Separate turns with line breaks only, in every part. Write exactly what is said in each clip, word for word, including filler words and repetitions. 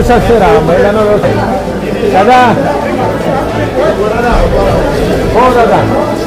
सस्ते राहा महिलांना व्यवस्थित दादा हो दादा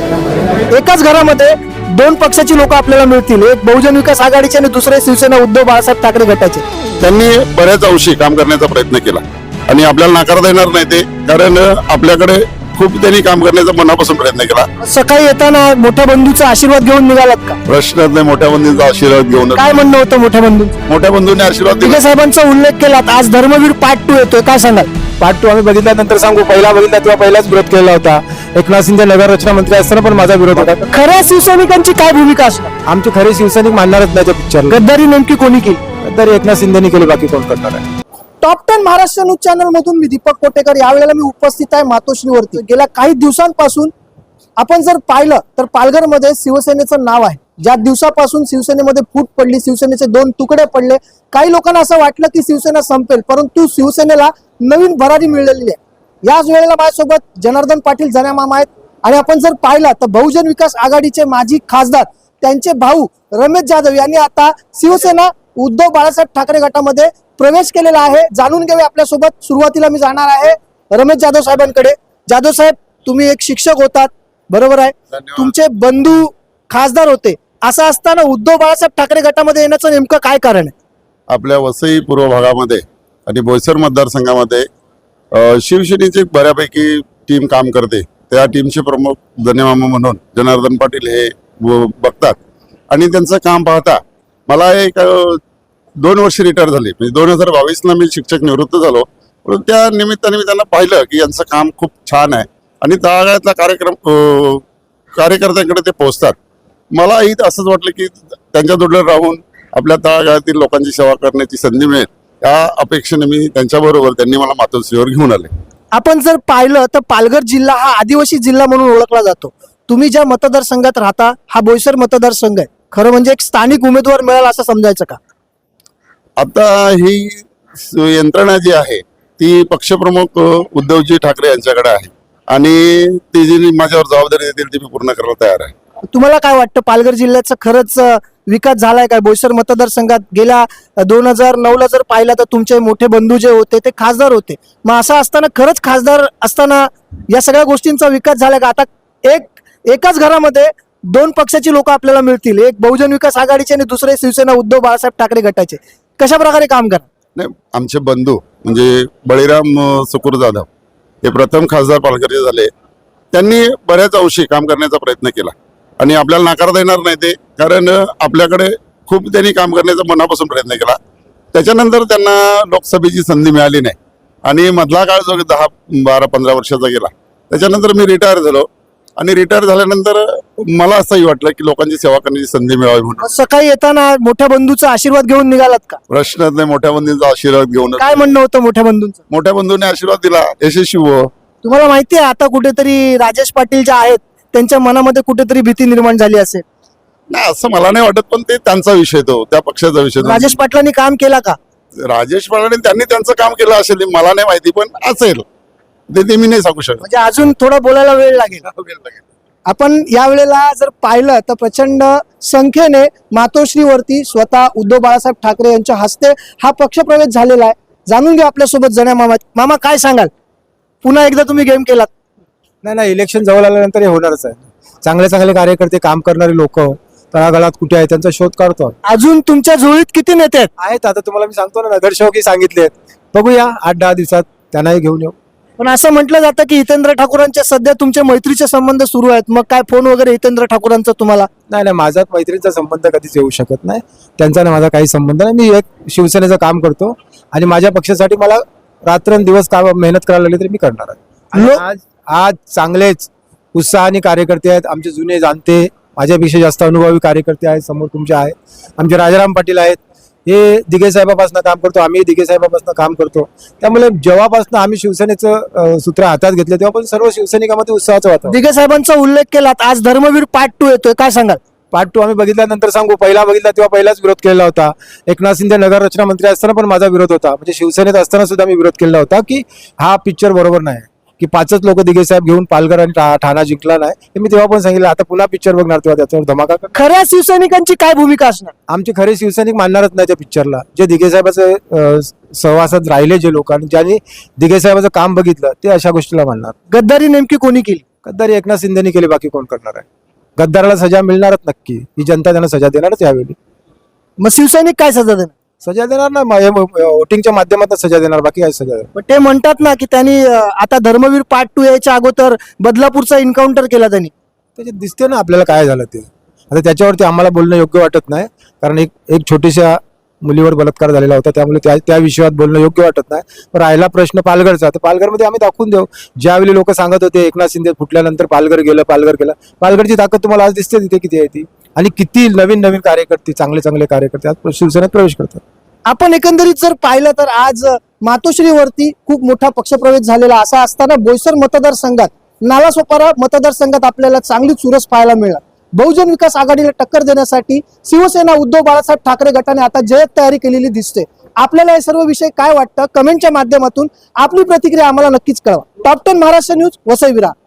एकाच घरामध्ये दोन पक्षाची लोक आपल्याला मिळतील, एक बहुजन विकास आघाडीचे आणि दुसरे शिवसेना उद्धव बाळासाहेब ठाकरे गटाचे.
त्यांनी बऱ्याच अंशी काम करण्याचा प्रयत्न केला आणि आपल्याला नाकारता येणार नाही ते, कारण आपल्याकडे खूप त्यांनी काम करण्याचा मनापासून प्रयत्न केला.
सकाळी येताना मोठ्या बंधूचा आशीर्वाद घेऊन निघालात का?
प्रश्नच नाही, मोठ्या बंधूंचा आशीर्वाद घेऊन.
काय म्हणणं होतं मोठ्या बंधू?
मोठ्या बंधूंनी आशीर्वाद दिला.
दिघे साहेबांचा उल्लेख केलात, आज धर्मवीर पार्ट टू येतोय, काय सांगाल?
पार्ट टू आम्ही बघितल्यानंतर सांगू, पहिला बघितला तेव्हा पहिलाच विरोध केला होता. एकनाथ शिंदे नगर रचना मंत्री असताना पण माझा विरोध होता.
खऱ्या शिवसैनिकांची काय भूमिका असणार?
आमचे खरे शिवसैनिक मानणारच नाही त्या पिक्चरला.
गद्दारी नेमकी कोणी केली?
तरी एकनाथ शिंदेनी केली, बाकी कोण करणार आहे?
Top ten Maharashtra news channel मधून मी दीपक कोटेकर. यावेळेला मी उपस्थित आहे मातोश्रीवरती. गेल्या काही दिवसांपासून आपण जर पाहिलं तर पालघरमध्ये शिवसेनेचं नाव आहे. ज्या दिवसापासून शिवसेनेमध्ये फूट पडली, शिवसेनेचे दोन तुकडे पडले, काही लोकांना असं वाटलं की शिवसेना संपेल, परंतु शिवसेनेला नवीन भरारी मिळालेली आहे. याच वेळेला माझ्यासोबत जनार्दन पाटील जनामामा आहेत आणि आपण जर पाहिलं तर बहुजन विकास आघाडीचे माजी खासदार त्यांचे भाऊ रमेश जाधव यांनी आता शिवसेना उद्धव बाळासाहेब ठाकरे गटामध्ये प्रवेश केलेला आहे. जाणून घेऊया आपल्यासोबत. सुरुवातीला मी जाणार आहे रमेश जाधव साहेबांकडे. जाधव साहेब, तुम्ही एक शिक्षक होतात, बरोबर आहे? तुमचे बंधू खासदार होते, असं असताना उद्धव बाळासाहेब ठाकरे गटामध्ये येण्याचं नेमकं काय कारण आहे?
आपल्या वसई पूर्व भागामध्ये आणि बोईसर मतदारसंघामध्ये अ, शिवसेनेची बऱ्यापैकी टीम काम करते. त्या टीमचे प्रमुख धन्यमामा म्हणून जनार्दन पाटील हे व- बघतात आणि त्यांचं काम पाहता मला एक अ, दोन वर्ष रिटायर झाले, म्हणजे दोन हजार बावीसला मी शिक्षक निवृत्त झालो. पण त्या निमित्ताने मी त्यांना पाहिलं की यांचं काम खूप छान आहे आणि तळागाळातला कार्यक्रम अ, कार्यकर्त्यांकडे ते पोहोचतात. मलाही असंच वाटलं की त्यांच्या जोडीला राहून आपल्या तळागाळातील लोकांची सेवा करण्याची संधी मिळेल, या अपेक्षेने मी त्यांच्याबरोबर, त्यांनी मला मातोश्रीवर घेऊन आले.
आपण जर पाहिलं तर पालघर जिल्हा हा आदिवासी जिल्हा म्हणून ओळखला जातो. तुम्ही ज्या मतदारसंघात राहता हा बोईसर मतदारसंघ आहे. खरं म्हणजे एक स्थानिक उमेदवार मिळाला असं समजायचं का?
आता ही स- यंत्रणा जी आहे ती पक्षप्रमुख अ, उद्धवजी ठाकरे यांच्याकडे आहे आणि ती जी माझ्यावर जबाबदारी देतील ती मी पूर्ण करायला तयार आहे.
तुम्हाला काय वाटतं, पालघर जिल्ह्याचा खरंच अं, विकास झालाय काय? बोईसर मतदारसंघात गेल्या दोन हजार नऊ ला जर पाहिलं तर तुमचे मोठे बंधू जे होते ते खासदार होते. मग असं असताना खरंच खासदार असताना या सगळ्या गोष्टींचा विकास झालाय का? आता एक एकाच घरामध्ये दोन पक्षाची लोक आपल्याला मिळतील, एक बहुजन विकास आघाडीचे आणि दुसरे शिवसेना उद्धव बाळासाहेब ठाकरे गटाचे. कशा प्रकारे काम करा?
नाही, आमचे बंधू म्हणजे बळीराम अ, सुकुर जाधव हे प्रथम खासदार पालघरचे झाले. त्यांनी बऱ्याच अंशी काम करण्याचा प्रयत्न केला आणि आपल्याला नाकारता येणार नाही ते, कारण अ, आपल्याकडे खूप त्यांनी काम करण्याचा मनापासून प्रयत्न केला. त्याच्यानंतर त्यांना लोकसभेची संधी मिळाली नाही आणि मधला काळ जो दहा बारा पंधरा वर्षाचा गेला, त्याच्यानंतर मी रिटायर झालो आणि रिटायर झाल्यानंतर मला असंही वाटलं की लोकांची सेवा करण्याची संधी मिळावी म्हणून.
सकाळी येताना मोठ्या बंधूचा आशीर्वाद घेऊन निघालात का?
प्रश्नच नाही, मोठ्या बंधूंचा आशीर्वाद घेऊन.
काय म्हणणं होतं मोठ्या बंधूंचं?
मोठ्या बंधूंनी आशीर्वाद दिला, यशस्वी हो.
तुम्हाला माहिती आहे आता कुठेतरी राजेश पाटील जे आहेत त्यांच्या मनामध्ये कुठेतरी भीती निर्माण झाली असेल?
नाही, असं मला नाही वाटत, पण ते त्यांचा विषय, तो त्या पक्षाचा विषय.
राजेश पाटलांनी काम केला का?
राजेश पाटलांनी त्यांनी त्यांचं काम केलं असेल, ते मला नाही माहिती, पण असेल ते ते मी नाही सांगू शकत.
म्हणजे अजून थोडा बोलायला वेळ लागेल. आपण यावेळेला जर पाहिलं तर प्रचंड संख्येने मातोश्रीवरती स्वतः उद्धव बाळासाहेब ठाकरे यांच्या हस्ते हा पक्षप्रवेश झालेला आहे. जाणून घ्या आपल्यासोबत जण्या मामा. मामा, काय सांगाल? पुन्हा एकदा तुम्ही गेम केलात.
नाही नाही, इलेक्शन जवळ आल्यानंतर हे होणारच आहे. चांगले चांगले कार्यकर्ते, काम करणारे लोक तळागाळात कुठे आहेत त्यांचा शोध काढतो.
अजून तुमच्या जुळीत किती नेते आहेत?
आहेत, आता तुम्हाला मी सांगतो ना, नगरसेवकही सांगितले. बघूया आठ दहा दिवसात त्यांनाही घेऊन येऊ.
पण असं म्हटलं जातं की हितेंद्र ठाकूरांचे सध्या तुमचे मैत्रीचे संबंध सुरू आहेत. मग काय फोन वगैरे हितेंद्र ठाकूरांचा तुम्हाला?
नाही नाही, माझा मैत्रीचा संबंध कधीच येऊ शकत नाही. त्यांचा ना माझा काही संबंध नाही. मी एक शिवसेनेचं काम करतो आणि माझ्या पक्षासाठी मला रात्रंदिवस काम मेहनत करायला लागली तरी मी करणार आहे. आणि
लो-
आज आज चांगलेच उत्साहाने कार्यकर्ते आहेत, आमचे जुने जाणते, माझ्यापेक्षा जास्त अनुभवी कार्यकर्ते आहेत. समोर तुमचे आहेत, आमचे राजाराम पाटील आहेत, हे दिघे साहेबापासून काम करतो, आम्ही दिघे साहेबापासून काम करतो. त्यामुळे जेव्हापासून आम्ही शिवसेनेचं अ, सूत्र हातात घेतलं तेव्हापासून सर्व शिवसैनिकांमध्ये उत्साहाचं वातावरण.
दिघे साहेबांचा उल्लेख केलात, आज धर्मवीर पार्ट टू येतोय, काय सांगाल?
पार्ट टू आम्ही बघितल्यानंतर सांगू, पहिला बघितला तेव्हा पहिलाच विरोध केलेला होता. एकनाथ शिंदे नगर रचना मंत्री असताना पण माझा विरोध होता, म्हणजे शिवसेनेत असताना सुद्धा मी विरोध केला होता की हा पिक्चर बरोबर नाही, की पाचच लोक दिघे साहेब घेऊन पालघर आणि ठा- ठाणा जिंकला नाही हे मी तेव्हा पण सांगितलं. आता पुन्हा पिक्चर बघणार तेव्हा त्याच्यावर धमाका करणार.
खऱ्या शिवसैनिकांची काय भूमिका असणार?
आमचे खरे शिवसैनिक मानणारच नाही त्या पिक्चरला. जे दिघे साहेबाचं अं, सहवासात राहिले जे लोक आणि ज्यांनी दिघे साहेबाचं काम बघितलं ते अशा गोष्टीला मानणार.
गद्दारी नेमकी कोणी केली?
गद्दारी एकनाथ शिंदेनी केली, बाकी कोण करणार आहे? गद्दाराला सजा मिळणारच नक्की. ही जनता त्यांना सजा देणारच यावेळी.
मग शिवसैनिक काय सजा देणार?
सजा देणार ना, वोटिंगच्या माध्यमातून सजा देणार, बाकी काय सजा देणार.
पण ते म्हणतात ना की त्यांनी अं, आता धर्मवीर पार्ट टू यायच्या अगोदर बदलापूरचा एन्काउंटर केला त्यांनी.
त्याच्यात दिसते ना आपल्याला काय झालं ते. आता त्याच्यावरती आम्हाला बोलणं योग्य वाटत नाही, कारण एक एक छोटीशा मुलीवर बलात्कार झालेला होता, त्यामुळे त्या त्या विषयात बोलणं योग्य वाटत नाही. पण राहिला प्रश्न पालघरचा, तर पालघरमध्ये आम्ही दाखवून देऊ. ज्यावेळी लोक सांगत होते एकनाथ शिंदे फुटल्यानंतर पालघर गेलं पालघर गेलं, पालघरची ताकद तुम्हाला आज दिसते तिथे किती आहे ती. आणि किती नवीन नवीन कार्यकर्ते, चांगले चांगले कार्यकर्ते आज शिवसेनेत प्रवेश करतात.
आपण एकंदरीत जर पाहिलं तर आज मातोश्रीवरती खूप मोठा पक्षप्रवेश झालेला असा असताना बोईसर मतदारसंघात नालासोपारा मतदारसंघात आपल्याला चांगली चुरस पाहायला मिळणार. बहुजन विकास आघाडीला टक्कर देण्यासाठी शिवसेना उद्धव बाळासाहेब ठाकरे गटाने आता जय्यत तयारी केलेली दिसते. आपल्याला हे सर्व विषय काय वाटतं कमेंटच्या माध्यमातून आपली प्रतिक्रिया आम्हाला नक्कीच कळवा. Top ten Maharashtra news, Vasai Virar.